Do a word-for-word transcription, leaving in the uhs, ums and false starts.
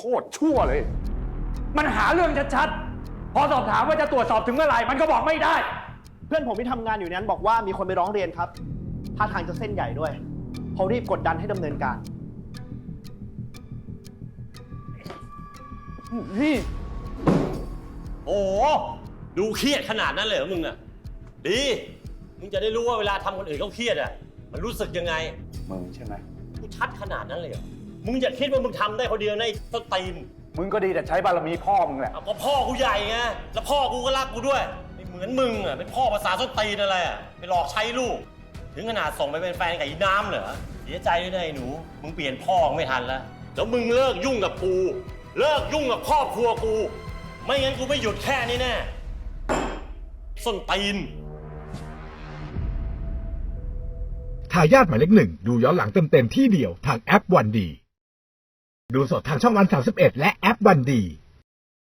ตรชั่วเลยมันหาเรื่องชัดๆพอสอบถามว่าจะตรวจสอบถึงเมื่อไหร่มันก็บอกไม่ได้เพื่อนผมที่ทำงานอยู่นั้นบอกว่ามีคนไปร้องเรียนครับท่าทางจะเส้นใหญ่ด้วยเขารีบกดดันให้ดำเนินการพี่โอ้ดูเครียดขนาดนั้นเลยเหรอมึงอะดีมึงจะได้รู้ว่าเวลาทำคนอื่นเขาเครียดอะมันรู้สึกยังไงมึงใช่ไหมกูชัดขนาดนั้นเลยเหรอมึงอย่าคิดว่ามึงทำได้คนเดียวในต้นตีนมึงก็ดีแต่ใช้บารมีพ่อมึงแหละเอาก็พ่อกูใหญ่ไงแล้วพ่อกูก็รักกูด้วยไม่เหมือนมึงอะเป็นพ่อภาษาต้นตีนอะไรอะไปหลอกใช้ลูกถึงขนาดส่งไปเป็นแฟนกับอีน้ำเหรอเสียใจด้วยนะไอ้หนูมึงเปลี่ยนพ่อไม่ทันแล้วแล้วมึงเลิกยุ่งกับกูเลิกยุ่งกับครอบครัวกูไม่งั้นกูไม่หยุดแค่นี้แน่ส้นตีนทายาทหมายเลขหนึ่งดูย้อนหลังเต็มๆที่เดียวทางแอปวันดีดูสดทางช่องวันสามสิบเอ็ดและแอปวันดี